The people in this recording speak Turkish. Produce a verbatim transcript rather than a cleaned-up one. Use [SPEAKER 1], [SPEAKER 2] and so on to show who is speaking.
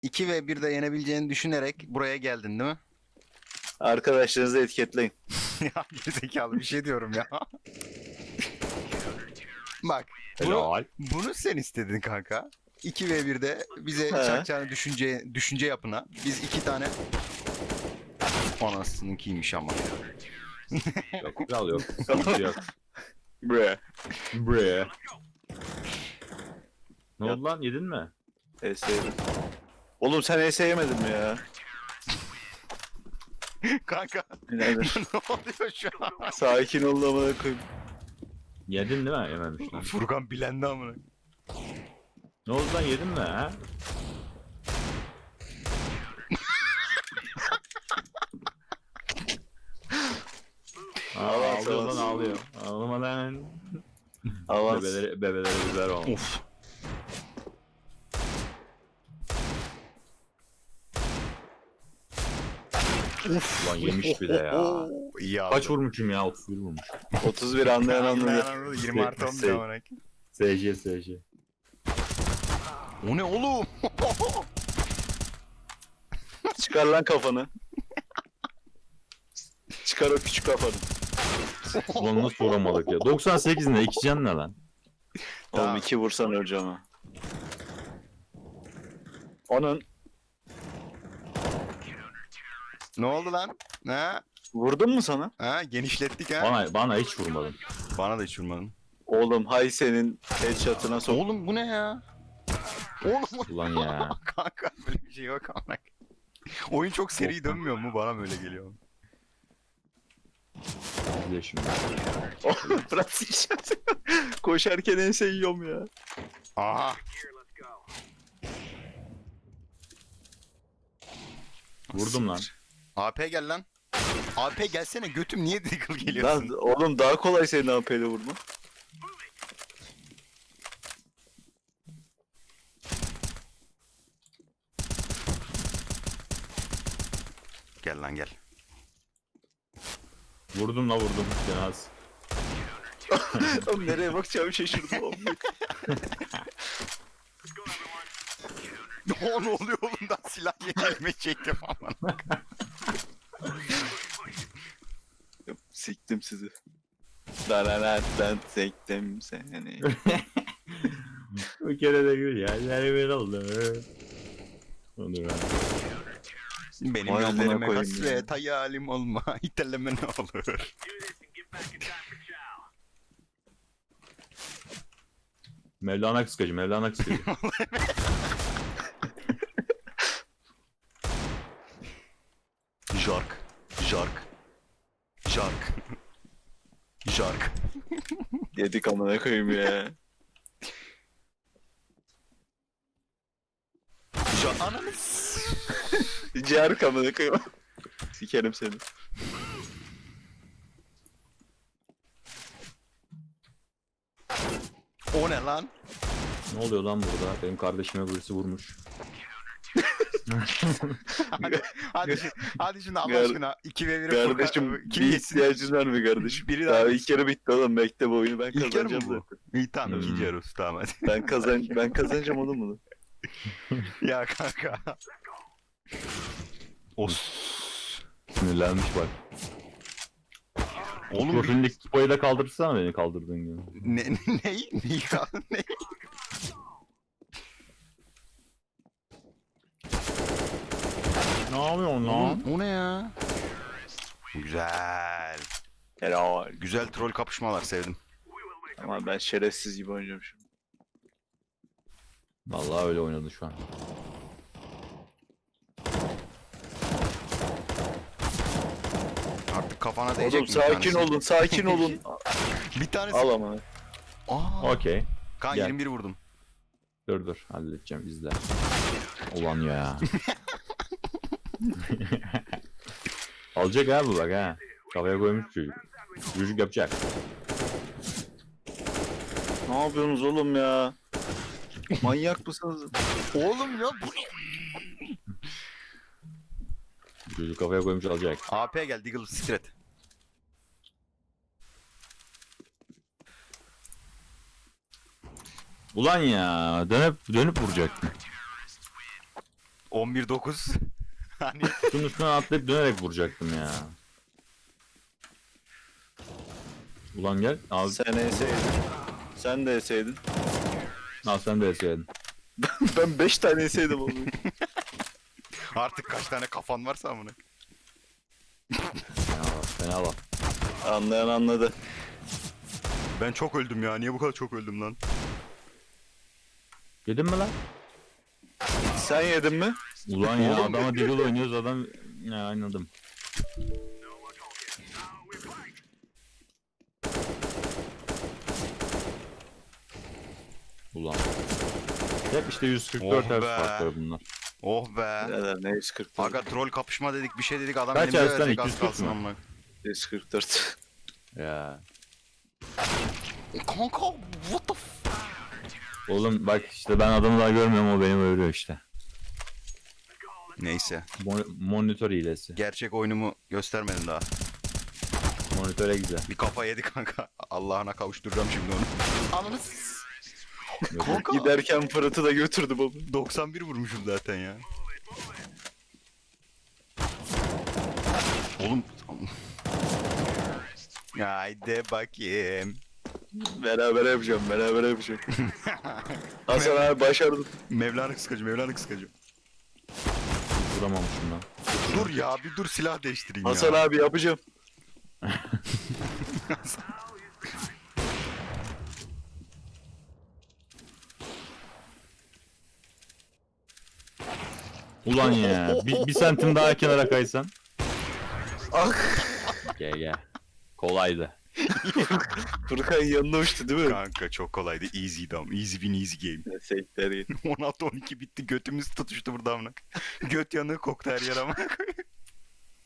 [SPEAKER 1] iki ve birde yenebileceğini düşünerek buraya geldin değil mi?
[SPEAKER 2] Arkadaşlarınızı etiketleyin.
[SPEAKER 1] Ya gerizekalı bir şey diyorum ya. Bak bunu,
[SPEAKER 3] Helal.
[SPEAKER 1] bunu sen istedin kanka. iki ve birde bize
[SPEAKER 2] He.
[SPEAKER 1] çakacağını düşünce, düşünce yapına. Biz iki tane... Anasınınkiymiş ama.
[SPEAKER 3] Yok kral yok. Sıkıntı yok.
[SPEAKER 2] Bre.
[SPEAKER 3] Bre. Ne
[SPEAKER 2] Ya-
[SPEAKER 3] oldu lan, yedin mi?
[SPEAKER 2] E S yedim. Oğlum sen E S yemedin mi ya?
[SPEAKER 1] Kanka
[SPEAKER 2] Birader.
[SPEAKER 1] ne oluyor şu an?
[SPEAKER 2] Sakin ol amına koyayım.
[SPEAKER 3] Yedin değil mi? Yememiş lan.
[SPEAKER 1] Furkan bilendi amına.
[SPEAKER 3] Ne oldu lan, yedin mi ha? Aa,
[SPEAKER 2] Avans,
[SPEAKER 3] ağlıyor lan,
[SPEAKER 2] avans.
[SPEAKER 3] ağlıyor. Ağlama lan.
[SPEAKER 2] Avans.
[SPEAKER 3] Bebeleri, bebelere biber olmuş.
[SPEAKER 1] Of. Uf.
[SPEAKER 3] Ulan yemiş bir de ya.
[SPEAKER 1] İyi abi.
[SPEAKER 3] Kaç vurmuşum ya? otuz bir vurmuş.
[SPEAKER 2] otuz bir anlayan anladı.
[SPEAKER 1] anladı. yirmi artı on bir
[SPEAKER 3] Şey-
[SPEAKER 1] amına.
[SPEAKER 3] S J S J.
[SPEAKER 1] O ne oğlum?
[SPEAKER 2] Çıkar lan kafanı. Çıkar o küçük kafanı.
[SPEAKER 3] Ulan nasıl vuramadık ya? doksan sekiz ne? iki can ne lan?
[SPEAKER 2] Oğlum
[SPEAKER 1] Tamam.
[SPEAKER 2] iki vursan öleceğim ha. Onun
[SPEAKER 1] Ne oldu lan? Ha?
[SPEAKER 2] vurdun mu sana?
[SPEAKER 1] Ha? Genişlettik ha?
[SPEAKER 3] Bana, bana hiç vurmadın.
[SPEAKER 1] Bana da hiç vurmadın.
[SPEAKER 2] Oğlum hay senin headshot'ına sok.
[SPEAKER 1] Oğlum bu ne ya? Oğlum
[SPEAKER 3] Ulan ya.
[SPEAKER 1] kanka böyle bir şey yok amına. Oyun çok seri
[SPEAKER 3] Yok.
[SPEAKER 1] dönmüyor mu? Bana böyle geliyor.
[SPEAKER 3] İzle şimdi.
[SPEAKER 2] Oğlum bırak headshot. Koşarken ense yiyorum ya.
[SPEAKER 1] Aha.
[SPEAKER 3] Vurdum lan.
[SPEAKER 1] A P gel lan. A P gelsene götüm niye Deagle
[SPEAKER 2] Lan
[SPEAKER 1] geliyorsun?
[SPEAKER 2] oğlum daha kolay senin A P'yle vurma.
[SPEAKER 1] Gel lan gel.
[SPEAKER 3] Vurdum la vurdum. Cenaz.
[SPEAKER 2] Oğlum nereye bakacağımı şaşırdım oğlum.
[SPEAKER 1] Ne ne oluyor oğlum da silah yeni elime çektim aman.
[SPEAKER 2] Siktim sizi. Dararattan sektim seni.
[SPEAKER 3] Bir kere de gül yerler bir oldu. Onu ben.
[SPEAKER 1] Benim
[SPEAKER 2] Vay amına
[SPEAKER 1] gözlerime
[SPEAKER 2] koyayım
[SPEAKER 1] hasret hayalim olma iteleme ne olur.
[SPEAKER 3] Mevlana kıskacı, Mevlana kıskacı.
[SPEAKER 1] Jark. Jark. Jark. Jark.
[SPEAKER 2] Yedik amına koyayım ya.
[SPEAKER 1] Jark. Ananı s-
[SPEAKER 2] Ciğer amına koyayım. Sikerim seni.
[SPEAKER 1] O ne lan?
[SPEAKER 3] Ne oluyor lan burada? Benim kardeşime birisi vurmuş.
[SPEAKER 1] Hadi, hadi, şimdi, hadi şimdi Allah
[SPEAKER 2] Gar-
[SPEAKER 1] aşkına iki ve biri
[SPEAKER 2] Kardeşim
[SPEAKER 1] kim
[SPEAKER 2] bir
[SPEAKER 1] yesin?
[SPEAKER 2] ihtiyacın var mı kardeşim?
[SPEAKER 1] Biri
[SPEAKER 2] Daha
[SPEAKER 1] daha
[SPEAKER 2] ilk yarı bitti oğlum, bekle bu oyunu ben
[SPEAKER 1] İlk yarı mı
[SPEAKER 2] kazanacağım
[SPEAKER 1] bu?
[SPEAKER 2] zaten.
[SPEAKER 1] İyi tamam
[SPEAKER 3] Hmm.
[SPEAKER 1] ikinci yarı tamam hadi.
[SPEAKER 2] Ben kazan ben kazanacağım oğlum bunu.
[SPEAKER 1] Ya kanka. Os.
[SPEAKER 3] Sinirlenmiş bak.
[SPEAKER 1] Oğlum
[SPEAKER 3] Profilindeki kupayı da kaldırsana beni kaldırdığın gibi.
[SPEAKER 1] ne ne neyi kaldın ne?
[SPEAKER 3] Ne yapıyorsun lan?
[SPEAKER 1] Oğlum, o ne ya? Güzel.
[SPEAKER 2] Helal.
[SPEAKER 1] Güzel troll kapışmalar sevdim.
[SPEAKER 2] Ama ben şerefsiz gibi oynayacağım şimdi.
[SPEAKER 3] Vallahi öyle oynadı şu an.
[SPEAKER 1] Artık kafana değecek
[SPEAKER 2] Oğlum
[SPEAKER 1] mi bir
[SPEAKER 2] sakin
[SPEAKER 1] tanesi?
[SPEAKER 2] olun, sakin olun.
[SPEAKER 1] Bir tanesi.
[SPEAKER 2] Al ama.
[SPEAKER 1] Aa.
[SPEAKER 3] Okey.
[SPEAKER 1] Kan
[SPEAKER 3] Gel.
[SPEAKER 1] yirmi bir vurdum.
[SPEAKER 3] Dur dur halledeceğim izle. Ulan ya. Alacak ha bu bak ha. Kafaya koymuş çocuk. Çocuk yapacak.
[SPEAKER 2] Ne yapıyorsunuz oğlum ya? Manyak mısınız?
[SPEAKER 1] Oğlum ya bu ne?
[SPEAKER 3] Çocuk kafaya koymuş alacak.
[SPEAKER 1] A P gel Deagle Secret.
[SPEAKER 3] Ulan ya dönüp dönüp vuracak.
[SPEAKER 1] on bir dokuz. Hani
[SPEAKER 3] Şunun üstüne atlayıp dönerek vuracaktım ya. Ulan gel. Al,
[SPEAKER 2] Sen eseydin. Sen de eseydin.
[SPEAKER 3] al sen de eseydin.
[SPEAKER 2] Ben beş tane eseydim oğlum.
[SPEAKER 1] artık kaç tane kafan varsa amına.
[SPEAKER 3] Fena bak, fena bak.
[SPEAKER 2] Anlayan anladı.
[SPEAKER 1] Ben çok öldüm ya. Niye bu kadar çok öldüm lan?
[SPEAKER 3] Yedin mi lan?
[SPEAKER 2] Sen yedin mi?
[SPEAKER 3] Ulan ya adama Deagle oynuyoruz adam... Ya anladım. Ulan. Hep işte yüz kırk dört
[SPEAKER 1] Oh
[SPEAKER 3] hertz
[SPEAKER 1] be.
[SPEAKER 3] farkları bunlar.
[SPEAKER 1] Oh be.
[SPEAKER 2] Neler ne yüz kırk dört.
[SPEAKER 1] Aga troll kapışma dedik, bir şey dedik, adam
[SPEAKER 3] Kaç
[SPEAKER 1] elimde
[SPEAKER 3] Arslan,
[SPEAKER 1] verecek,
[SPEAKER 3] iki yüz
[SPEAKER 1] az
[SPEAKER 3] kırk
[SPEAKER 1] kalsın
[SPEAKER 3] mı?
[SPEAKER 1] amına.
[SPEAKER 2] yüz kırk dört.
[SPEAKER 3] Ya.
[SPEAKER 1] Kanka what the f...
[SPEAKER 3] Oğlum bak işte ben adamı daha görmüyorum, o beni öldürüyor işte.
[SPEAKER 1] Neyse.
[SPEAKER 3] Mon- monitör hilesi.
[SPEAKER 1] Gerçek oyunumu göstermedim daha.
[SPEAKER 3] Monitöre güzel.
[SPEAKER 1] Bir kafa yedi kanka. Allah'ına kavuşturacağım şimdi onu. Ananı s-
[SPEAKER 3] Yok,
[SPEAKER 1] Kanka.
[SPEAKER 2] Giderken Fırat'ı da götürdüm oğlum.
[SPEAKER 1] doksan bir vurmuşum zaten ya. Oğlum. Haydi bakayım.
[SPEAKER 2] Beraber yapacağım, beraber yapacağım. Hasan abi başardım.
[SPEAKER 1] Mevlana kıskacı, Mevlana kıskacı.
[SPEAKER 3] vuramamışım lan.
[SPEAKER 1] Dur ya, bir dur, silah değiştireyim
[SPEAKER 2] Hasan
[SPEAKER 1] ya.
[SPEAKER 2] abi yapacağım.
[SPEAKER 3] Ulan ya bir, bir santim daha kenara kaysan.
[SPEAKER 2] Ah!
[SPEAKER 3] Gel gel. Kolaydı.
[SPEAKER 2] Furkan yanına uçtu değil mi?
[SPEAKER 1] Kanka çok kolaydı. Easy dam. Easy win, easy game.
[SPEAKER 2] Neyse,
[SPEAKER 1] on altı on iki bitti. Götümüz tutuştu burada amına. Göt yanığı koktu her yer ama.